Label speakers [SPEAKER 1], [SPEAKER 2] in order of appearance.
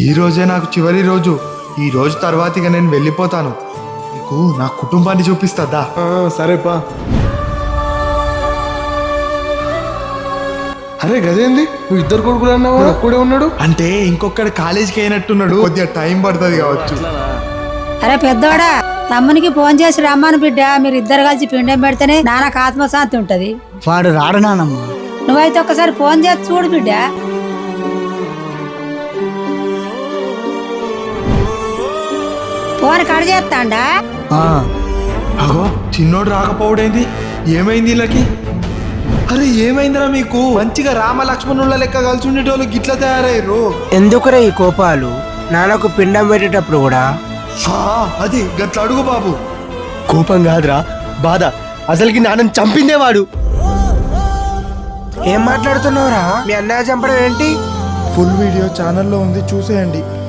[SPEAKER 1] ఈ రోజే నాకు చివరి రోజు. ఈ రోజు తర్వాత ఇక నేను వెళ్ళిపోతాను. నీకు నా కుటుంబాన్ని చూపిస్తుందా?
[SPEAKER 2] సరేపా. అరే గదేంది, నువ్వు ఇద్దరు కొడుకులు అన్నావా? ఒక్కడే ఉన్నాడు
[SPEAKER 1] అంటే ఇంకొకటి కాలేజీకి అయినట్టున్నాడు, కొద్దిగా టైం పడుతుంది కావచ్చు.
[SPEAKER 3] అరే పెద్దోడా, తమ్మునికి ఫోన్ చేసి రమ్మను బిడ్డ, మీరు ఇద్దరు కలిసి పిండం పెడితేనే నాన్నకు ఆత్మశాంతి ఉంటది.
[SPEAKER 4] వాడు రాడు నానమ్మ.
[SPEAKER 3] నువ్వైతే ఒక్కసారి ఫోన్ చేసి చూడు బిడ్డ. ఫోన్ కట్ చేస్తాండా?
[SPEAKER 1] అగో చిన్నోడు రాకపోవడేంది? ఏమైంది వీళ్ళకి? అరే ఏమైందిరా మీకు? మంచిగా రామ లక్ష్మణుల లెక్క కలిసి ఉండేటోళ్ళు గిట్లా తయారయ్యారు.
[SPEAKER 5] ఎందుకురా ఈ కోపాలు? నాన్నకు పిండం పెట్టేటప్పుడు కూడా
[SPEAKER 1] అది గట్ల అడుగు బాబు.
[SPEAKER 4] కోపం కాదురా, బాధ. అసలుకి నాన్నని చంపిందేవాడు.
[SPEAKER 5] ఏం మాట్లాడుతున్నావురా? మీ అన్నయ్య చంపడం ఏంటి?
[SPEAKER 1] ఫుల్ వీడియో ఛానల్లో ఉంది, చూసేయండి.